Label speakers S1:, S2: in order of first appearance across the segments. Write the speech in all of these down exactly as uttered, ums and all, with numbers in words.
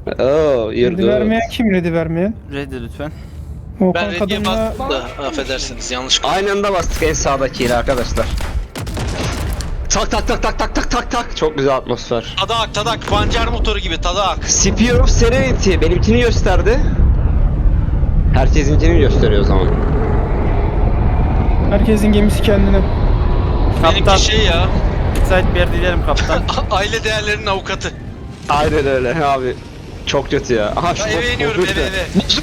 S1: Oo, you're
S2: Ready
S1: good.
S2: vermeyen kim ready vermeyen?
S3: Ready lütfen.
S2: Volkan
S4: Ben reddiye
S2: kadınla
S4: bastım da affedersiniz yanlış.
S1: Aynı anda bastık en sağdakiyle arkadaşlar. Tak tak tak tak tak tak tak tak. Çok güzel atmosfer.
S4: Tadak tadak pancar motoru gibi tadak.
S1: Spear of Serenity benimkini gösterdi. Herkesinkini gösteriyor o zaman.
S2: herkesin gemisi kendine.
S3: Kaptan.
S4: Benimki şey ya.
S3: Müsait bir yer dilerim kaptan.
S4: Aile değerlerinin avukatı.
S1: Aynen öyle abi. Çok kötü ya. Aha
S4: Ya
S1: şu
S4: eve iniyorum
S1: bozuldu.
S4: eve eve.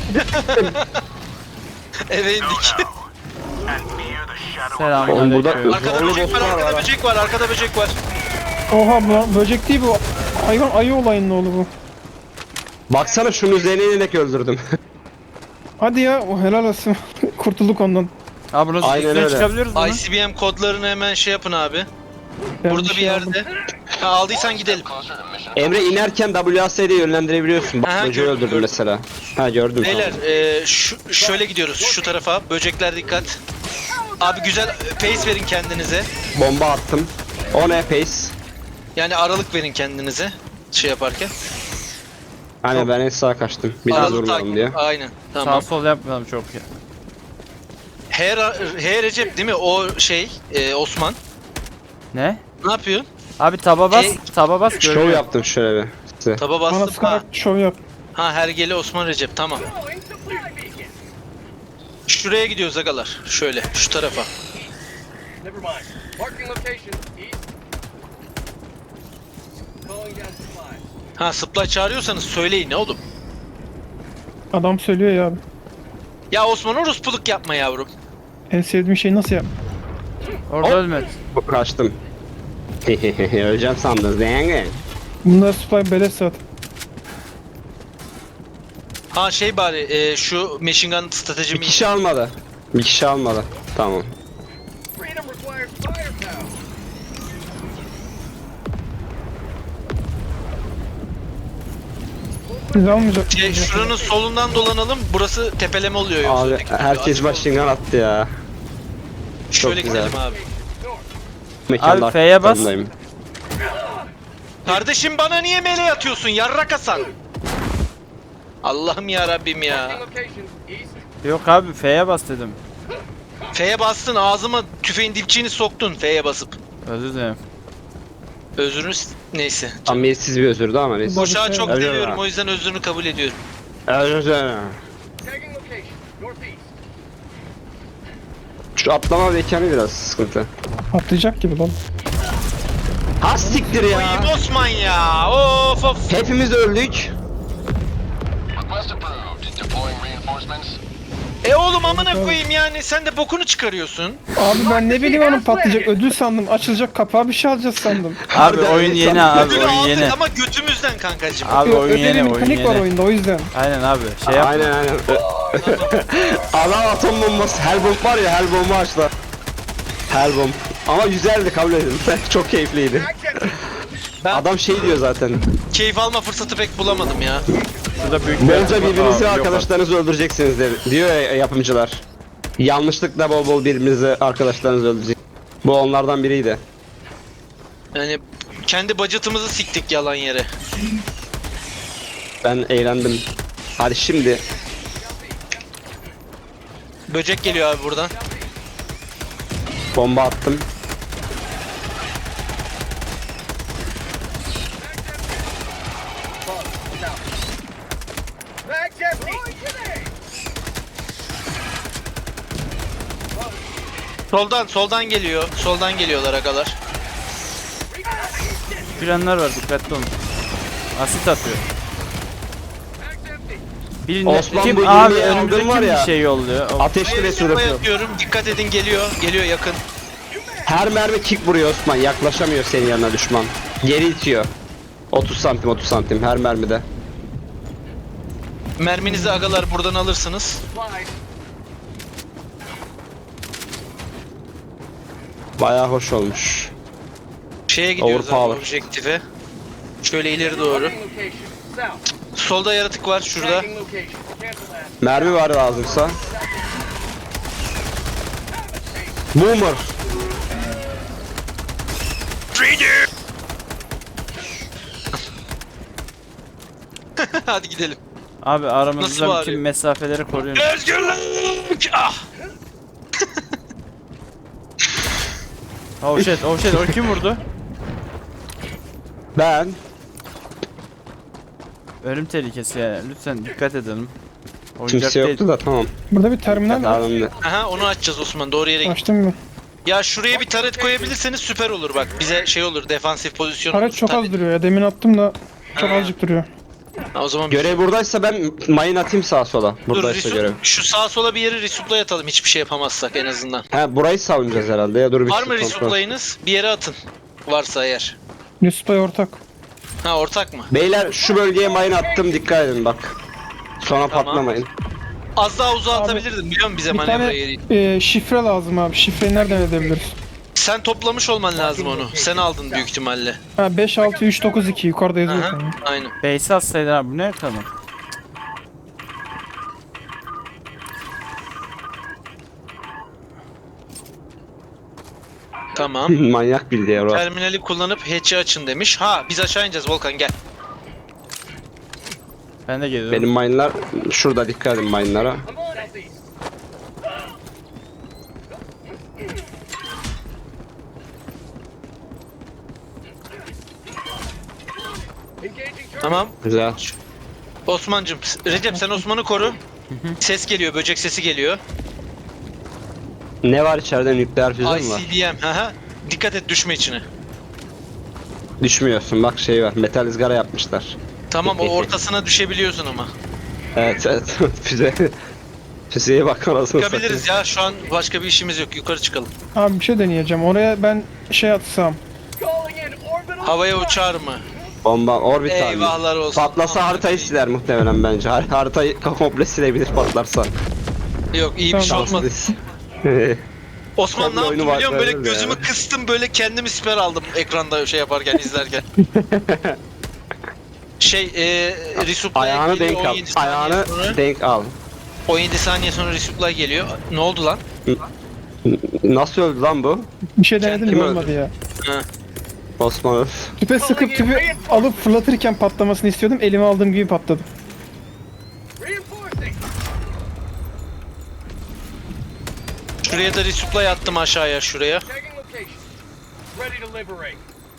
S4: Eve indik.
S3: Selamünaleyküm.
S1: Oğlum burada-
S4: Arkada
S1: Zorlu
S4: böcek var,
S1: bosslar
S4: arkada
S1: var.
S4: böcek var, arkada böcek var.
S2: Oha bu böcek değil bu. Hayvan ayı olayının oğlu bu.
S1: Baksana şunun üzerine inerek öldürdüm.
S2: Hadi ya o helal olsun. Kurtulduk ondan.
S3: Abi bunu
S1: Aynen
S3: üstüne
S1: öyle.
S3: çıkabiliyoruz mu?
S4: I C B M kodlarını hemen şey yapın abi.
S2: Ben
S4: Burada bir
S2: şey aldım.
S4: yerde. Ha, aldıysan gidelim.
S1: Emre inerken W A S D'yi yönlendirebiliyorsun. Bak
S4: Aha,
S1: böceği
S4: gördüm,
S1: öldürdüm
S4: gördüm.
S1: mesela. Ha gördüm.
S4: Beyler
S1: tamam.
S4: e, şu, şöyle gidiyoruz şu tarafa. Böcekler dikkat. Abi güzel pace verin kendinize.
S1: Bomba attım. O ne pace?
S4: Yani aralık verin kendinize. Şey yaparken.
S1: Hani ben en sağa kaçtım. Biraz
S4: Aralık
S1: vurmayalım
S4: takip.
S1: diye.
S4: Aynen.
S3: Sağ
S4: Tamam.
S3: sol yapmayalım çok ya.
S4: H, H Recep değil mi? O şey e, Osman.
S3: Ne?
S4: Ne yapıyorsun?
S3: Abi taba bas,
S4: E,
S3: taba bas
S1: Şov
S3: görünüyor.
S1: yaptım şöyle bir. Size.
S4: Taba
S2: Bana
S4: bastım. Ha.
S2: sıkarak şov yap.
S4: ha Hergeli Osman Recep tamam. Şuraya gidiyoruz agalar. Şöyle şu tarafa.
S5: Never mind. Marking location. East. Calling down supplies.
S4: Ha supply çağırıyorsanız söyleyin ne oğlum.
S2: Adam söylüyor ya abi.
S4: Ya Osman orospuluk yapma yavrum.
S2: En sevdiğim şey nasıl yap?
S3: Orada
S1: Hop.
S3: ölme.
S1: Kaçtım. Öleceğim sandınız değil.
S2: Bunlar supply beleş zaten.
S4: Ha şey bari e, şu machine gun
S1: Bir
S4: stratejimi.
S1: kişi almadı. Bir kişi almadı. Tamam.
S5: Freedom requires firepower.
S2: Biz almayacak.
S4: Şey, şuranın solundan dolanalım. Burası tepeleme oluyor yoksa.
S1: Abi
S4: Dikkat
S1: herkes
S4: edin, açık
S1: machine gun attı ya.
S4: olun. Şöyle
S1: çok güzel.
S4: gidelim abi.
S1: Mekanda
S3: Abi F'ye bas.
S1: arkalarındayım.
S4: Kardeşim bana niye meleğe atıyorsun? Yarrak Hasan. Allah'ım ya Rabbim ya.
S5: Marking location. East.
S3: Yok abi F'ye bas dedim.
S4: F'ye bastın ağzıma tüfeğin dipçiğini soktun F'ye basıp.
S3: Özür dilerim.
S4: Özrünü s- neyse.
S1: Samimiyetsiz bir özürdü ama neyse.
S4: Boşağı çok
S1: Öyle
S4: seviyorum
S1: mi?
S4: o yüzden özrünü kabul ediyorum.
S1: Özür dilerim.
S5: Tagging location. Northeast.
S1: Şu atlama mekanı biraz sıkıntı.
S2: Atlayacak gibi lan.
S1: Ha siktir ya.
S4: Koyayım Osman ya. Of of.
S1: Hepimiz öldük.
S6: Request approved. Deploying reinforcements.
S4: E oğlum amına koyayım yani sen de bokunu çıkarıyorsun.
S2: Abi ben ne bileyim onun patlayacak. Ödül sandım. Açılacak kapağı bir şey alacağız sandım.
S3: Abi
S1: Harbiden
S3: oyun
S1: öyle
S3: yeni
S1: sandım.
S3: abi
S4: Ödülü
S3: oyun
S4: aldık
S3: yeni.
S4: ama götümüzden kankacım.
S3: Abi oyun
S2: Ödeli
S3: yeni oyun
S2: mekanik var
S3: yeni.
S2: oyunda o yüzden.
S3: Aynen abi şey yap.
S1: Aynen aynen. Adam atom bombası. Hellbomb var ya Hellbomb'u açtı. Hellbomb. Ama güzeldi kabul edin. Çok keyifliydi.
S4: Ben
S1: Adam şey diyor zaten.
S4: keyif alma fırsatı pek bulamadım ya.
S3: Şurada büyük bir
S1: Bolca
S3: Aa,
S1: birbirinizi
S3: yok
S1: arkadaşlarınızı öldüreceksiniz de, diyor ya yapımcılar. Yanlışlıkla bol bol birbirinizi arkadaşlarınızı öldürecek. Bu onlardan biriydi.
S4: Yani kendi budget'ımızı siktik yalan yere.
S1: Ben eğlendim. Hadi şimdi.
S4: Böcek geliyor abi buradan.
S1: Bomba attım.
S5: Mag's empty.
S4: Soldan soldan geliyor. Soldan geliyorlar agalar.
S3: Planlar var dikkatli olun. Asit atıyor.
S5: Mag's empty.
S3: Birinde
S1: Osman bu
S3: kim abi
S1: yirmiye
S3: önümüze
S1: aldığın var
S3: kim
S1: ya.
S3: bir şey yolluyor. O-
S1: Ateşli ve su
S4: Bomba
S1: yapıyor.
S4: atıyorum. Dikkat edin geliyor. Geliyor yakın.
S1: Her mermi kick vuruyor Osman. Yaklaşamıyor senin yanına düşman. Geri itiyor. otuz santim otuz santim her mermide.
S4: Merminizi agalar buradan alırsınız.
S5: Supplies.
S1: Bayağı hoş olmuş.
S4: Şeye gidiyoruz abi
S1: Overpower.
S4: objektife. Şöyle ileri doğru.
S5: Marking location. South.
S4: Solda yaratık var şurada.
S5: Tagging location. Cancel that.
S1: Mermi var lazımsa. Boomer.
S4: Hadi gidelim.
S3: Abi
S4: Nasıl
S3: aramızda
S4: bağırıyor?
S3: bütün mesafeleri koruyoruz.
S4: Özgürlük! Ah!
S3: Oh shit, oh shit, o kim vurdu?
S1: Ben.
S3: Ölüm tehlikesi ya. Lütfen dikkat edelim. Oyuncak
S1: Kimse
S3: değil.
S1: yoktu da tamam.
S2: Burada bir terminal var.
S1: Alındı.
S4: Aha onu açacağız Osman. Doğru yere git.
S2: Açtım mı?
S4: Ya şuraya bir taret koyabilirseniz süper olur bak. Bize şey olur, defansif pozisyon olur.
S2: Taret çok az
S4: Taret-
S2: duruyor ya. Demin attım da çok
S4: Ha.
S2: azıcık duruyor.
S4: Ha, o zaman
S1: Görev buradaysa ben mayın atayım sağa sola.
S4: dur,
S1: Buradaysa
S4: Resu-
S1: görev.
S4: şu sağa sola bir yeri resupply atalım hiçbir şey yapamazsak en azından.
S1: Ha burayı savunacağız herhalde ya dur bir
S4: Var mı
S1: kontrol.
S4: resupply'ınız? Bir yere atın. Varsa eğer.
S2: Yusufay ortak.
S4: Ha ortak mı?
S1: Beyler şu bölgeye mayın attım dikkat edin bak. Sonra
S4: Tamam.
S1: patlamayın.
S4: Az daha uzağa
S2: Abi,
S4: atabilirdin biliyor musun bize
S2: Bir
S4: manevra
S2: tane
S4: yeri?
S2: e, şifre lazım abi. Şifreyi nereden edebiliriz?
S4: Sen toplamış olman lazım onu. Sen aldın büyük ihtimalle.
S2: Ha beş altı üç dokuz iki yukarıda yazıyor.
S4: Aha,
S2: sanırım.
S4: aynen.
S3: Base atsaydın abi bu ne kadar?
S4: Tamam.
S1: Manyak bildi ya bro.
S4: Terminali kullanıp hatch'i açın demiş. Ha biz aşağı ineceğiz Volkan gel.
S3: Ben de geliyorum.
S1: Benim mayınlar şurada dikkat edin mayınlara.
S5: I'm on southeast. Engaging turret.
S4: Tamam.
S1: Güzel.
S4: Osman'cım. Recep sen Osman'ı koru. Ses geliyor, böcek sesi geliyor.
S1: Ne var içeride nükleer füze mi var?
S4: I C D M. Haha. Dikkat et düşme içine.
S1: Düşmüyorsun bak şey var metal ızgara yapmışlar.
S4: Tamam o ortasına düşebiliyorsun ama.
S1: Evet evet füze. Füzeye bak anasını
S4: Çıkabiliriz ya şu an başka bir işimiz yok. Yukarı çıkalım.
S2: Abi bir şey deneyeceğim. Oraya ben şey atsam.
S5: Calling in orbital.
S4: Havaya uçar mı?
S1: Bomba orbital.
S4: Eyvahlar olsun.
S1: Patlasa
S4: Aman
S1: haritayı
S4: Allah'ım.
S1: siler muhtemelen bence. Har haritayı komple silebilir patlarsa.
S4: Yok iyi bir şey olmadı. Osman ne
S1: Komple
S4: yaptım
S1: oyunu
S4: biliyor musun? Böyle
S1: başlarız ya.
S4: gözümü kıstım böyle kendimi siper aldım ekranda şey yaparken izlerken. Şey e, resupply
S1: Ayağını
S4: geliyor,
S1: denk al.
S4: on yedi saniye
S1: Ayağını
S4: sonra-
S1: denk al.
S4: on yedi saniye sonra resupply geliyor. Ne oldu lan?
S1: Nasıl öldü lan bu?
S2: Bir şey denedim
S1: Kim
S2: de
S1: öldü?
S2: olmadı ya.
S4: Ha.
S1: Osman.
S2: Tüpe sıkıp tüpü alıp fırlatırken patlamasını istiyordum. Elime aldığım gibi patladı.
S5: Reinforcing.
S4: Şuraya da resupply attım aşağıya şuraya.
S5: Tagging location. Ready to liberate.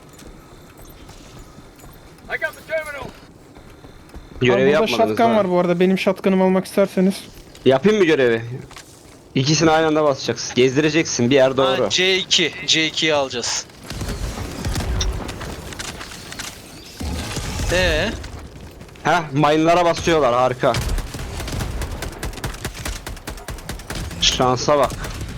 S5: I got the terminal.
S1: Görevi
S2: Abi burada
S1: yapmadınız
S2: shotgun
S1: ha.
S2: var bu arada. Benim shotgun'ımı almak isterseniz.
S1: Yapayım mı görevi? İkisini aynı anda basacaksın. Gezdireceksin bir yer doğru.
S4: Ha, C iki. C ikiyi alacağız. Ee,
S1: Heh mayınlara basıyorlar harika. Şansa bak.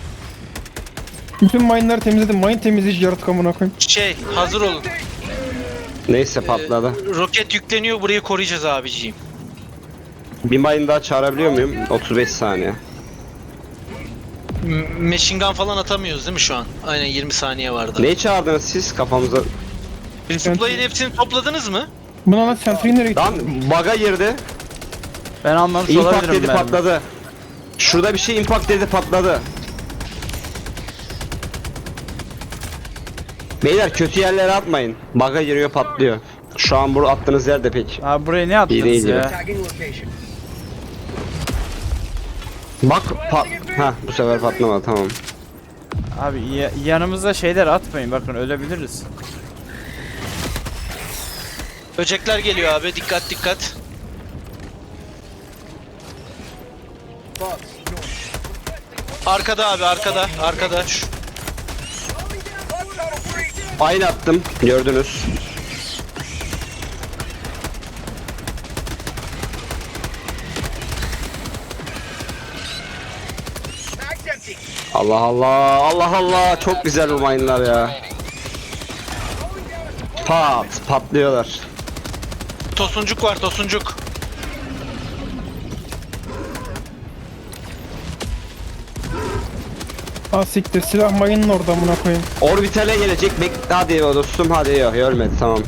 S2: Bütün mine'ları temizledim. Mine temizleyici yaratık amına koyayım.
S4: şey hazır olun.
S1: Neyse patladı.
S4: Ee, roket yükleniyor burayı koruyacağız abiciğim.
S1: Bir mayın daha çağırabiliyor muyum? otuz beş saniye.
S4: M- Machine gun falan atamıyoruz değil mi şu an? Aynen yirmi saniye vardı.
S1: Neyi çağırdınız siz kafamıza?
S4: Resupply'ın hepsini topladınız mı?
S2: Buna lan sentry nereye gitti?
S1: Lan bug'a girdi.
S3: Ben anlamış
S1: Impact
S3: olabilirim
S1: dedi
S3: ben.
S1: patladı. Şurada bir şey impact dedi patladı. Beyler kötü yerlere atmayın. Bug'a giriyor patlıyor. Şu an bu attığınız yerde pek.
S3: Abi buraya ne attınız
S1: İyi değil
S3: ya?
S1: ya.
S5: Tagging location.
S1: Bak pat. Ha bu sefer patlamadı tamam.
S3: Abi ya- yanımıza şeyler atmayın bakın ölebiliriz.
S4: Böcekler geliyor abi dikkat dikkat. Arkada abi arkada arkada. Şu-
S1: Aynı attım gördünüz.
S5: Mag's empty.
S1: Allah Allah Allah Allah çok güzel bu mayınlar ya. Pat patlıyorlar.
S4: Tosuncuk var tosuncuk.
S2: Ah siktir silah mine'ın orada amına koyayım.
S1: Orbitale gelecek. Bek hadi dostum hadi yok ölmedi tamam.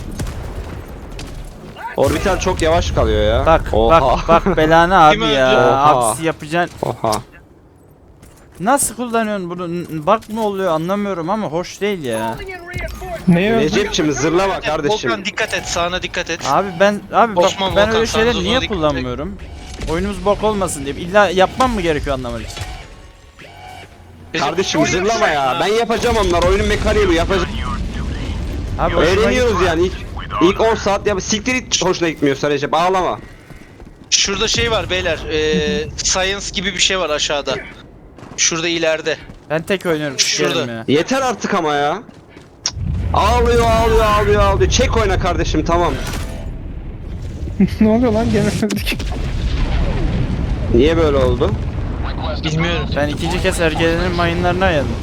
S1: Orbital çok yavaş kalıyor ya.
S3: Bak
S1: Oha.
S3: bak bak belanı abi
S4: Kim öldü?
S3: ya.
S1: Oha.
S3: Aksi yapacaksın.
S1: Oha.
S3: Nasıl kullanıyorsun bunu? N- Bak mı oluyor anlamıyorum ama hoş değil ya.
S5: Calling in reinforcements.
S2: Neye öldü?
S1: Recep'cim zırlama kardeşim.
S4: Volkan dikkat et, sağına dikkat et.
S3: Abi ben abi bak
S4: Osman,
S3: ben
S4: Volkan,
S3: öyle şeyler
S4: Sanzo,
S3: niye
S4: Zodik-
S3: kullanmıyorum? Oyunumuz bok olmasın diye. İlla yapmam mı gerekiyor anlamak için?
S4: Recep,
S1: Kardeşim zırlama ya. Ben yapacağım onlar. Oyunun mekaniği bu. Yapacağım.
S3: Abi hoşuma
S1: Öğreniyoruz
S3: gitti.
S1: yani. İlk, ilk on saat ya siktir hiç hoşuna gitmiyorsa Recep. Ağlama.
S4: Şurada şey var beyler. Ee, science gibi bir şey var aşağıda. Şurada ileride.
S3: Ben tek oynuyorum.
S4: Şurada.
S3: sikerim ya.
S1: Yeter artık ama ya. Cık. Ağlıyor ağlıyor ağlıyor ağlıyor. Çek oyna kardeşim tamam.
S2: Ne oluyor lan gene öldük.
S1: Niye böyle oldu?
S6: Request
S4: Bilmiyorum.
S3: Ben ikinci kez ergelerin mayınlarına ayırdım.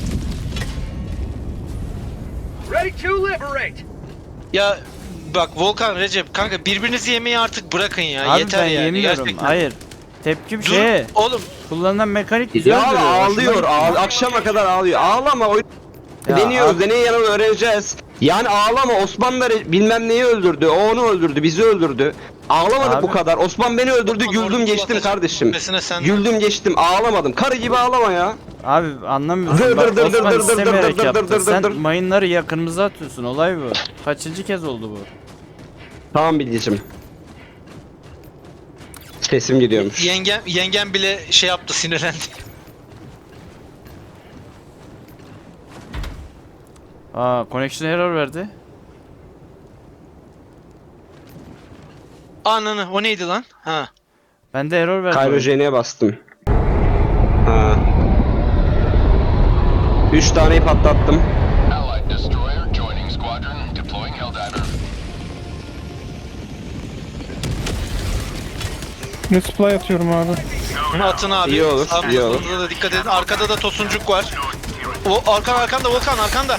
S5: Ready to liberate.
S4: Ya bak Volkan, Recep kanka birbirinizi yemeyi artık bırakın ya.
S3: Abi
S4: Yeter
S3: ben
S4: yani
S3: yemiyorum.
S4: gerçekten.
S3: Hayır. Tepkim
S4: Dur
S3: şeye.
S4: oğlum.
S3: Kullanılan mekanik güzel
S1: Ya
S3: duruyor.
S1: ağlıyor.
S3: hoşuma
S1: Ağl akşama kadar ağlıyor. Ağlama. Oyun...
S3: Ya
S1: Deniyoruz.
S3: abi-
S1: Deney yanını öğreneceğiz. Yani ağlama. Osman da re- bilmem neyi öldürdü. O onu öldürdü. Bizi öldürdü. Ağlamadık
S3: Abi-
S1: bu kadar. Osman beni öldürdü.
S4: Volkan,
S1: Güldüm
S4: orada
S1: geçtim
S4: kulak
S1: kardeşim.
S4: açıp sen-
S1: Güldüm geçtim. Ağlamadım. Karı gibi ağlama ya.
S3: Abi anlamıyorsun.
S1: Dır
S3: Bak
S1: dır dır
S3: Osman
S1: dır dır dır
S3: istemeyerek
S1: dır dır
S3: yaptı.
S1: dır dır
S3: Sen
S1: dır.
S3: mayınları ya kırmızı atıyorsun. Olay bu. Kaçıncı kez oldu bu?
S1: Tamam Bilgicim. Sesim gidiyormuş.
S4: Yengem, yengem bile şey yaptı, sinirlendi.
S3: Aa, connection error verdi.
S4: Ananı, o neydi lan? Ha.
S3: Ben de error verdi. oyun.
S1: Kayrojeni'ye bastım. Ha. Üç taneyi patlattım.
S6: Allied destroyer joining squadron. Deploying Helldiver.
S2: Resupply atıyorum abi.
S4: Atın abi.
S1: İyi olur,
S4: Sağ
S1: iyi olur.
S4: solumuza da dikkat edin. Arkada da tosuncuk var. O arkan arkanda Volkan, arkanda.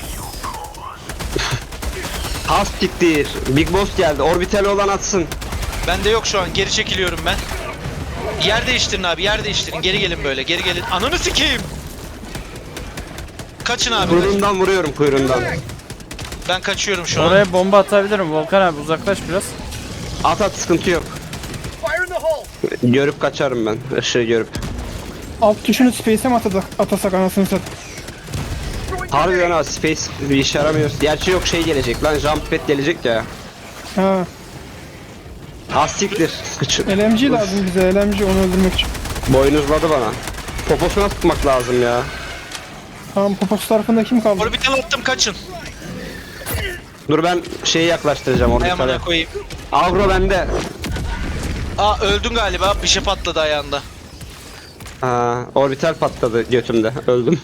S1: Has siktir. Big Boss geldi. Orbital olan atsın.
S4: Bende yok şu an. Geri çekiliyorum ben. Yer değiştirin abi. Yer değiştirin. Geri gelin böyle. Geri gelin. Ananı sikeyim. Kaçın abi. kaçın.
S1: Kuyruğundan vuruyorum kuyruğundan.
S4: Ben kaçıyorum şu an.
S3: Oraya bomba atabilirim. Volkan abi uzaklaş biraz.
S1: At at sıkıntı yok.
S5: Fire in the hole.
S1: Görüp kaçarım ben. Işığı görüp.
S2: Alt tuşunu space'e mi atasak, atasak anasını sat.
S1: Harbiden ha space bir işe yaramıyor. Gerçi yok şey gelecek lan jump pad gelecek ya.
S2: Ha.
S1: Has siktir. Sıkıcı.
S2: L M G lazım bize L M G onu öldürmek için.
S1: Boynuzladı bana. Poposuna sıkmak lazım ya.
S2: Tamam poposu tarafında kim kaldı?
S4: Orbital attım, kaçın.
S1: Dur ben şeyi yaklaştıracağım
S4: Ay
S1: orbitale.
S4: amına koyayım.
S1: Agro bende.
S4: Aa öldün galiba. Bir şey patladı ayağında.
S1: Ha, orbital patladı götümde. Öldüm.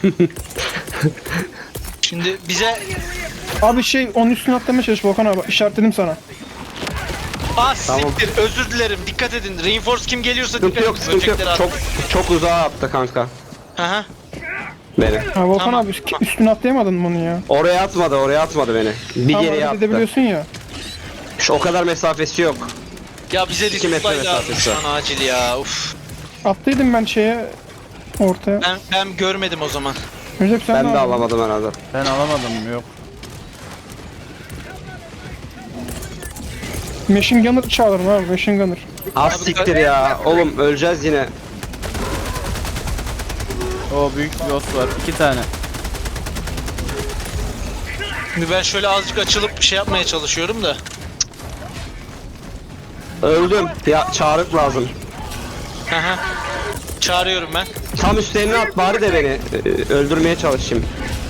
S4: Şimdi bize...
S2: Abi şey onun üstüne atlamaya çalış Volkan abi işaretledim sana.
S4: Aa
S1: Tamam.
S4: siktir. Özür dilerim. Dikkat edin. Reinforce kim geliyorsa
S1: Sıkıntı
S4: dikkat
S1: yok
S4: edin.
S1: sıkıntı yok.
S4: Böcekleri
S1: Çok
S4: at.
S1: çok uzağa attı kanka.
S4: Hı hı.
S1: Beni.
S2: Ha Volkan
S4: Tamam.
S2: abi üstüne atlayamadın mı onu ya?
S1: Oraya atmadı oraya atmadı beni. Bir
S2: Tamam
S1: geriye
S2: hareket
S1: attı.
S2: edebiliyorsun ya.
S1: Şu, o kadar mesafesi yok.
S4: Ya bize
S1: İki metre
S4: resupply lazım
S1: mesafesi
S4: şu
S1: var.
S4: an acil ya. Uf.
S2: Attıydım ben şeye ortaya.
S4: Ben ben görmedim o zaman.
S2: Recep sen
S1: Ben
S2: ne
S1: de
S2: aldın?
S1: alamadım herhalde.
S3: Ben alamadım yok.
S2: Machine Gunner çağırın abi Machine Gunner.
S1: Az siktir ya. Oğlum öleceğiz yine.
S3: O büyük bir boss var. iki tane.
S4: Şimdi ben şöyle azıcık açılıp şey yapmaya çalışıyorum da.
S1: Öldüm. Ya çağrık lazım.
S4: Hı hı. Çağırıyorum ben.
S1: Tam üstlerine at bari de beni e, öldürmeye çalışayım.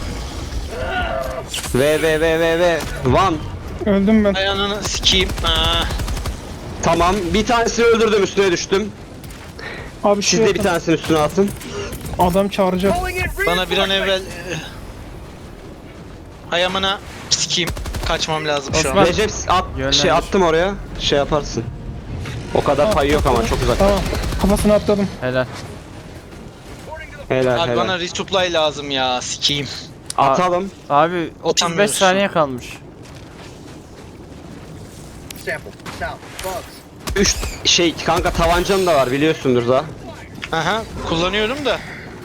S1: V V V V V Van.
S2: Öldüm ben.
S4: Ayağını sikeyim. Aa.
S1: Tamam bir tanesini öldürdüm üstüne düştüm.
S2: Abi
S1: Siz
S2: şey
S1: de bir
S2: yapın,
S1: tanesini üstüne atın.
S2: adam çağıracak.
S5: Calling in
S4: Bana bir an evvel...
S5: reinforcements.
S4: Ayağımına sikeyim. Kaçmam lazım şu
S3: Osman.
S4: an.
S1: Recep at
S3: Yönlendir.
S1: şey attım oraya. Şey yaparsın. O kadar pay yok ama çok uzak.
S2: Tamam kafasını atladım.
S3: Helal.
S1: Helal
S4: Abi
S1: helal.
S4: bana resupply lazım ya. Sikeyim.
S1: Atalım.
S3: Abi otuz beş
S4: Atamıyorsun.
S3: saniye kalmış.
S5: Sample. South. Bugs.
S1: Üç şey kanka tabancan da var biliyorsundur da.
S4: Aha. Kullanıyorum da.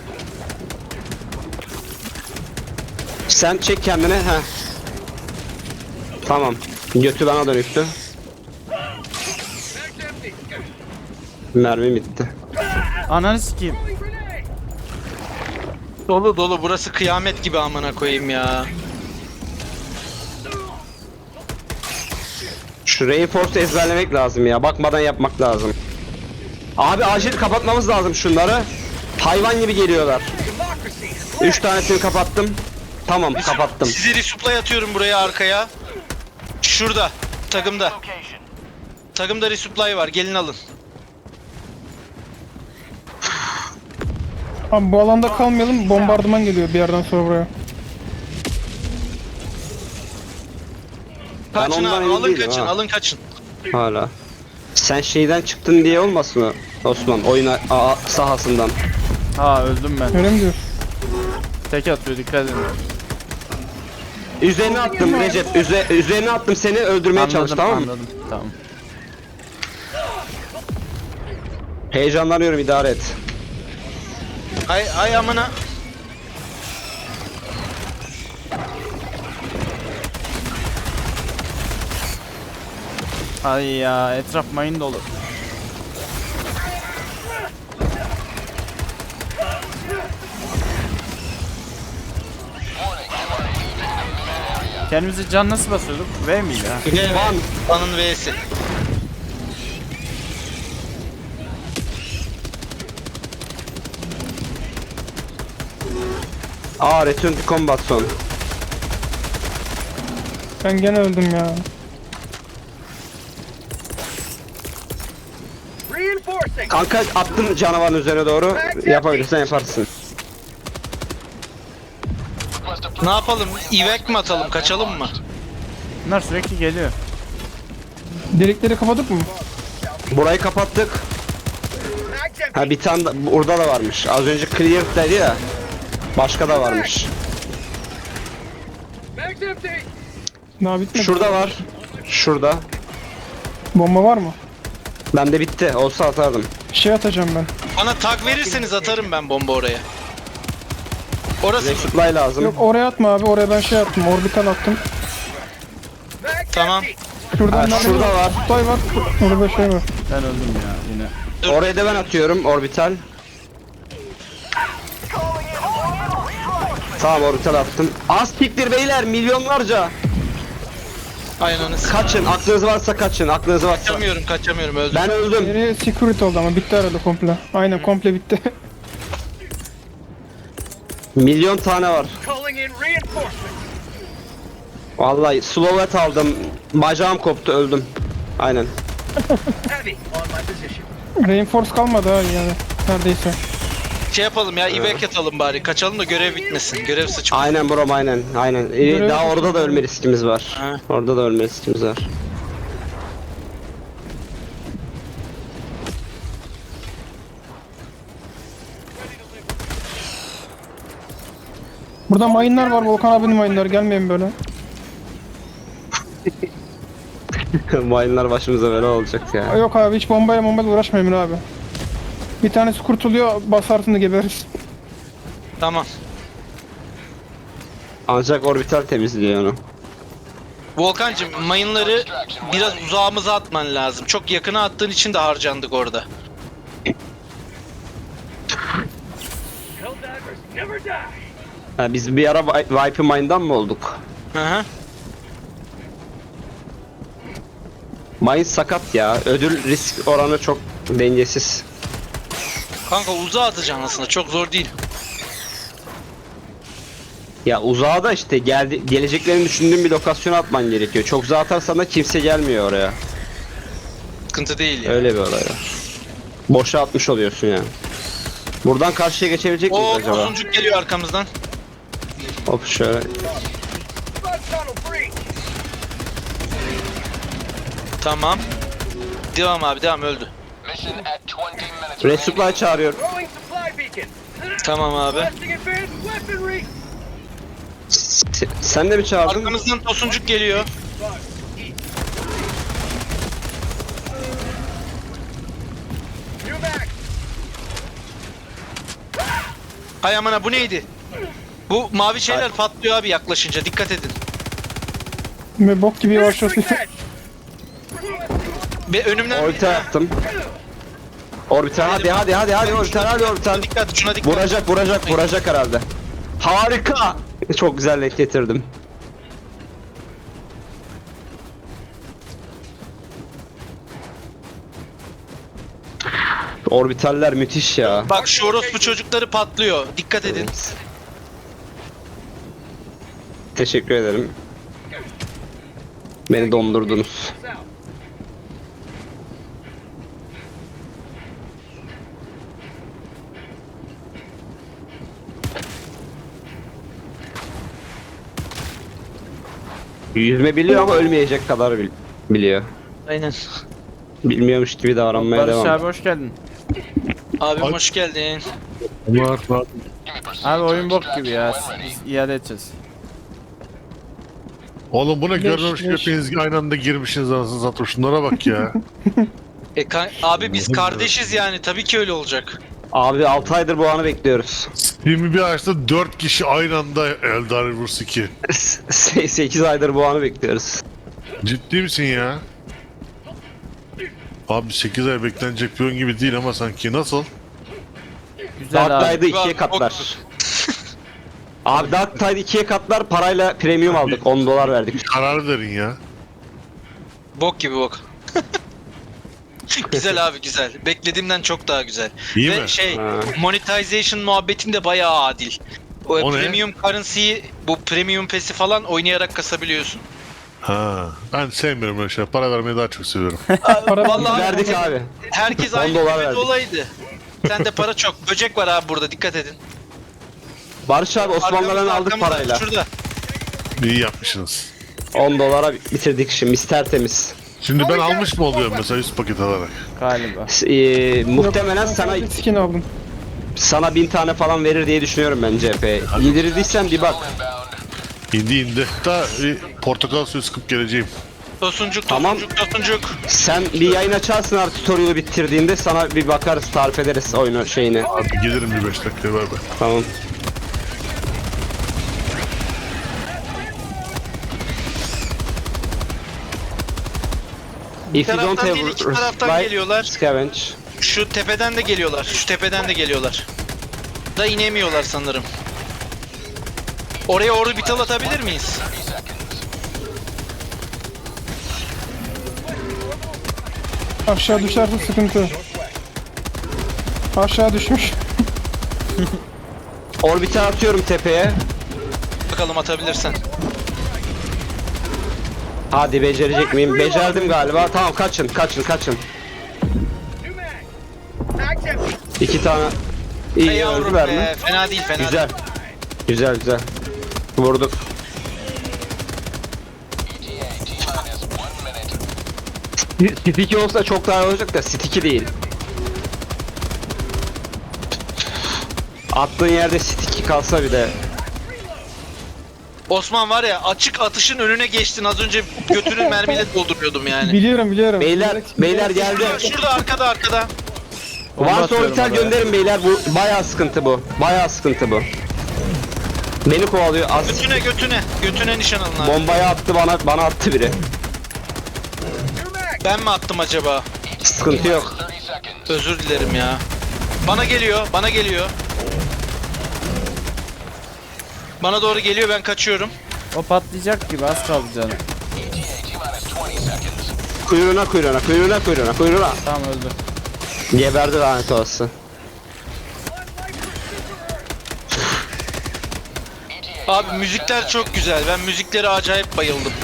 S1: Sen çek kendine he. Tamam. Götü bana dönüktü.
S5: Mag's empty.
S1: Mermi bitti.
S3: Ananı sikeyim.
S5: Throwing grenade.
S4: Dolu dolu. Burası kıyamet gibi amına koyayım ya.
S1: Şu reinforce'u ezberlemek lazım ya. Bakmadan yapmak lazım. Abi acil kapatmamız lazım şunları. Hayvan gibi geliyorlar. Üç tanesini kapattım. Tamam kapattım.
S4: Sizi resupply atıyorum buraya arkaya. Şurada. Takımda. Takımda resupply var. Gelin alın.
S2: Abi bu alanda kalmayalım. Bombardıman geliyor bir yerden sonra buraya.
S1: Ben
S4: Kaçın
S1: ondan
S4: abi.
S1: emin
S4: Alın
S1: değilim
S4: kaçın.
S1: ha.
S4: Alın kaçın.
S1: Hala. Sen şeyden çıktın diye olmasın mı Osman? Oyun a- a- sahasından.
S3: Ha öldüm ben.
S2: Öyle mi diyorsun?
S3: Tek atıyor dikkat edin.
S1: Üzerine attım Recep. Üze, üzerine attım seni öldürmeye çalış
S3: Anladım
S1: tamam mı?
S3: anladım. Tamam.
S1: Heyecanlanıyorum idare et.
S4: Ay ay amına.
S3: Ay ya etraf mayın dolu. Kendimizi can nasıl basıyorduk? V miydi ha?
S1: Van.
S4: Van'ın V'si.
S1: Aa return to combat son.
S2: Ben gene öldüm ya.
S5: Reinforcing.
S1: Kanka attım canavarın üzerine doğru. Yapabilirsen yaparsın.
S4: Ne yapalım? İvek mi atalım? Kaçalım mı?
S3: Bunlar sürekli geliyor.
S2: Delikleri kapadık mı?
S1: Burayı kapattık.
S5: Mag's empty.
S1: Ha bir tane da, burada da varmış. Az önce clear dedi ya. Başka da varmış.
S5: Mag's empty.
S2: Daha bitmedi.
S1: Şurada var. Şurada.
S2: Bomba var mı?
S1: Bende bitti. Olsa atardım.
S2: Şey atacağım ben.
S4: Bana tag verirseniz atarım ben bomba oraya. Orası mı?
S1: Resupply lazım.
S2: Yok oraya atma abi. Oraya ben şey attım. Orbital attım.
S5: Mag's
S4: Tamam.
S5: empty.
S2: Şuradan
S1: Ha,
S2: nerede
S1: şurada var.
S2: Kutay var. Orada şey var.
S3: Ben öldüm ya yine.
S1: Oraya da ben atıyorum. Orbital. Tamam orbital attım. Az piktir beyler. Milyonlarca.
S4: Aynen.
S1: Kaçın. Aklınız varsa kaçın. Aklınız varsa.
S4: Kaçamıyorum, kaçamıyorum. Öldüm.
S1: Ben öldüm.
S2: Geriye security oldu ama bitti herhalde komple. Aynen komple bitti.
S1: Milyon tane var.
S5: Calling in reinforcements.
S1: Vallahi slovet aldım. Bacağım koptu öldüm. Aynen.
S5: Heavy on my position.
S2: Reinforce kalmadı ha yani. Neredeyse.
S4: Şey yapalım ya, İvek atalım bari. Kaçalım da görev bitmesin. Görev sıçma.
S1: Aynen bro aynen. Aynen. Ee,
S2: Görev-
S1: daha orada da ölme riskimiz var.
S4: Ha.
S1: Orada da ölme riskimiz var.
S2: Burada mayınlar var. Volkan abinin mayınları. Gelmeyin böyle.
S1: Mayınlar başımıza böyle olacak
S2: Aa,
S1: ya.
S2: Yok abi hiç bombayla bombayla uğraşma Emir abi. Bir tanesi kurtuluyor. Basarsın da gebeririz.
S4: Tamam.
S1: Ancak orbital temizliyor onu.
S4: Volkancığım, mayınları biraz uzağımıza atman lazım. Çok yakına attığın için de harcandık orada.
S5: Helldivers never die.
S1: Ha, biz bir ara Vi- Viper Mine'dan mı olduk?
S4: Hı hı.
S1: Mine sakat ya. Ödül risk oranı çok dengesiz.
S4: Kanka uzağa atacaksın aslında. Çok zor değil.
S1: Ya uzağa da işte geldi, geleceklerini düşündüğün bir lokasyona atman gerekiyor. Çok uzağa atarsan da kimse gelmiyor oraya.
S4: Sıkıntı değil ya.
S1: Öyle bir olay var. Boşa atmış oluyorsun yani. Buradan karşıya geçebilecek miyiz
S4: Oo,
S1: acaba?
S4: tosuncuk geliyor arkamızdan.
S1: Hop şöyle.
S5: Blood tunnel breach.
S4: Tamam. Devam abi, devam. Öldü.
S6: Mission at twenty minutes.
S1: Resupply çağırıyor.
S5: Throwing supply beacon.
S4: Tamam abi.
S5: Blasting advanced weaponry.
S1: S- Sen de mi çağırdın?
S4: Arkamızdan tosuncuk geliyor.
S5: New mag.
S4: Ay amına, bu neydi? Bu mavi şeyler patlıyor abi yaklaşınca. Dikkat edin.
S2: Ve bok gibi yavaşlatıyor.
S5: Freak edge.
S4: Ve önümden
S1: Orbital yaptım. Orbital hadi hadi hadi hadi orbital hadi orbital.
S4: dikkat, şuna dikkat.
S1: Vuracak vuracak vuracak herhalde. Harika. Çok güzel denk getirdim. Orbitaller müthiş ya.
S4: Bak şu orospu çocukları patlıyor. Dikkat edin.
S1: Teşekkür ederim. Beni dondurdunuz. Yüzme biliyor ama ölmeyecek kadar bil- biliyor.
S4: Aynen.
S1: Bilmiyormuş gibi davranmaya
S3: Barış
S1: devam.
S3: abi hoş geldin.
S4: Abim hoş geldin.
S7: Var var.
S3: Abi oyun bok gibi ya. Biz iade edeceğiz.
S7: Oğlum bu ne
S2: Leş,
S7: görmemiş
S2: leş.
S7: hepiniz aynı anda girmişsiniz anasını satayım. Şunlara bak ya.
S4: E, ka- abi biz kardeşiz yani. Tabii ki öyle olacak.
S1: Abi altı aydır bu anı bekliyoruz.
S7: Steam'i bir açtı dört kişi aynı anda Eldar Rivers iki.
S1: sekiz aydır bu anı bekliyoruz.
S7: Ciddi misin ya? Abi sekiz ay beklenecek bir oyun gibi değil ama sanki. Nasıl?
S3: Güzel
S1: Dark
S3: abi.
S1: Tide'ı ikiye
S4: Bak,
S1: katlar. Abi Dark Tide ikiye katlar, parayla premium aldık. on dolar verdik.
S7: Karar verin ya.
S4: Bok gibi bok. Güzel abi güzel. Beklediğimden çok daha güzel.
S7: İyi
S4: Ve
S7: mi?
S4: şey
S1: Ha.
S4: monetization muhabbetin de bayağı adil. O,
S7: O ne?
S4: premium currency'yi bu premium pass'i falan oynayarak kasabiliyorsun.
S7: Ha. Ben sevmiyorum öyle şey. Para vermeyi daha çok seviyorum.
S2: Para
S4: Vallahi
S1: Verdik abi.
S4: herkes
S1: on
S4: aynı
S1: dolar
S4: bir
S1: verdik.
S4: olaydı. Sende para çok. Böcek var abi burada dikkat edin.
S1: Barış abi Osmanlılardan
S4: Arkamızda,
S1: aldık
S4: arkamızda,
S1: parayla.
S4: Şurada.
S7: İyi yapmışsınız.
S1: on dolara bitirdik şimdi. Mis tertemiz.
S7: Şimdi ben almış mı oluyorum mesela yüz paket alarak?
S3: Galiba.
S1: S- ee, muhtemelen sana
S2: Bir skin aldım.
S1: sana bin tane falan verir diye düşünüyorum ben C P. Yedirdiysen bir bak.
S7: İndi indi. Daha e, portakal suyu sıkıp geleceğim.
S4: Tosuncuk,
S1: Tamam.
S4: tosuncuk, tosuncuk.
S1: Sen bir yayın açarsın artık tutorial'ı bitirdiğinde sana bir bakarız, tarif ederiz oyunu şeyini.
S7: Abi gelirim bir beş dakikaya ver be.
S1: Tamam. If you don't
S4: taraftan
S1: have
S4: değil, iki taraftan
S1: right,
S4: geliyorlar.
S1: scavenge.
S4: Şu tepeden de geliyorlar. Şu tepeden de geliyorlar. Da inemiyorlar sanırım. Oraya orbital atabilir miyiz?
S2: Aşağı düşerse sıkıntı. Aşağı düşmüş.
S1: Orbite atıyorum tepeye.
S4: Bakalım atabilirsen.
S1: Hadi becerecek miyim? Becerdim galiba. Tamam kaçın, kaçın, kaçın.
S5: New mag. Mag's empty.
S1: İki tane. İyi
S4: Ey yavrum
S1: öldüler
S4: be.
S1: mi?
S4: Fena değil fena
S1: Güzel.
S4: değil.
S1: Güzel güzel. Vurduk. Sticky olsa çok daha iyi olacak da sticky değil. Attığın yerde sticky kalsa bir de.
S4: Osman var ya açık atışın önüne geçtin. Az önce götünü mermiyle dolduruyordum yani.
S2: Biliyorum biliyorum.
S1: Beyler,
S2: Bilerek-
S1: beyler geldi.
S4: Şurada, şurada arkada arkada.
S3: Bomba
S1: Varsa
S3: atıyorum
S1: orbital
S3: oraya.
S1: gönderin beyler. Bu bayağı sıkıntı bu. Bayağı sıkıntı bu. Beni kovalıyor. Az
S4: Götüne götüne. Götüne nişan alın abi.
S1: bombayı attı bana, bana attı biri.
S4: Ben mi attım acaba?
S1: Sıkıntı yok.
S6: thirty seconds.
S4: Özür dilerim ya. Bana geliyor, bana geliyor. Bana doğru geliyor, ben kaçıyorum.
S3: O patlayacak gibi az kaldı canım.
S6: E T A T-minus twenty seconds.
S1: Kuyruğuna kuyruğuna kuyruğuna kuyruğuna kuyruğuna.
S3: Tamam öldü.
S1: Geberdi lanet olası.
S4: Abi müzikler çok güzel. Ben müziklere acayip bayıldım.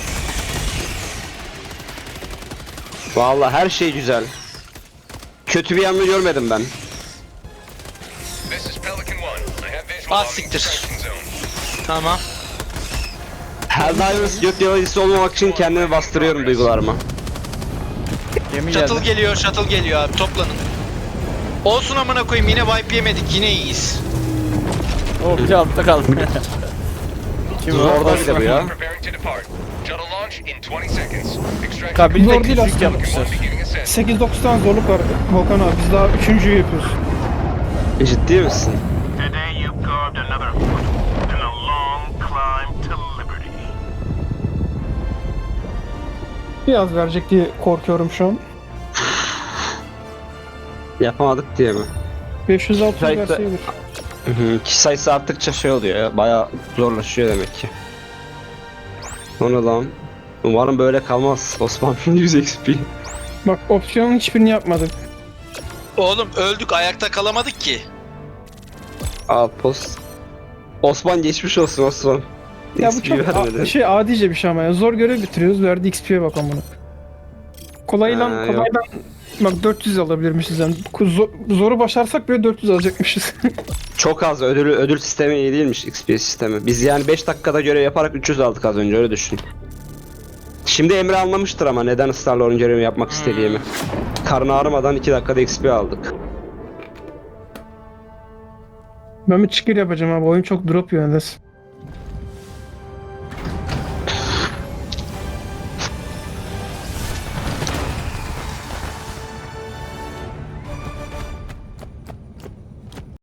S1: Vallahi her şey güzel. Kötü bir yanını görmedim ben.
S6: This is Pelican One. I have visual
S4: Ah,
S6: on the
S4: siktir.
S6: extraction zone.
S4: Tamam.
S1: Helldivers gök yalancısı olmamak için kendimi bastırıyorum duygularıma.
S3: Gemi
S4: Shuttle
S3: geldi.
S4: geliyor, shuttle geliyor abi. Toplanın. Olsun amına koyayım, yine wipe yemedik. Yine iyiyiz.
S3: Oh bir altta kaldı. Kim o?
S1: Zorda bir de bu ya.
S6: Preparing to depart. Shuttle launch in twenty seconds. Extraction
S3: Kabinde
S2: Zor değil
S3: küçük
S2: aslında.
S3: yapmışlar.
S6: beginning ascent.
S2: sekiz dokuz tane zorluk var Volkan abi. Biz daha üçüncüyü yapıyoruz.
S1: Ciddi misin?
S8: Today you've carved another foot in a long climb to liberty.
S2: Biraz verecek diye korkuyorum şu an.
S1: Yapamadık diye mi?
S2: beş yüz altı
S1: Kayıtta-
S2: verseydik.
S1: Hı hı. Kişi sayısı arttıkça şey oluyor ya. Bayağı zorlaşıyor demek ki. O ne lan? Umarım böyle kalmaz. Osman yüz X P.
S2: Bak opsiyonun hiçbirini yapmadık.
S4: Oğlum öldük ayakta kalamadık ki.
S1: Outpost. Osman geçmiş olsun Osman.
S2: Ya bu
S1: X P
S2: çok
S1: vermedi.
S2: a- şey adice bir şey ama ya. Zor görev bitiriyoruz. Verdi X P'ye bak amına. Kolayla
S1: Ha, yok.
S2: kolayla bak dört yüz alabilirmişiz yani. Zo- zoru başarsak bile dört yüz alacakmışız.
S1: Çok az ödül ödül sistemi iyi değilmiş X P sistemi. Biz yani beş dakikada görev yaparak üç yüz aldık az önce öyle düşün. Şimdi Emre anlamıştır ama neden ısrarla oyun görevi yapmak istediğimi. Karnı ağrımadan iki dakikada X P aldık.
S2: Ben bir çıkır yapacağım abi. Oyun çok drop yiyor nedense.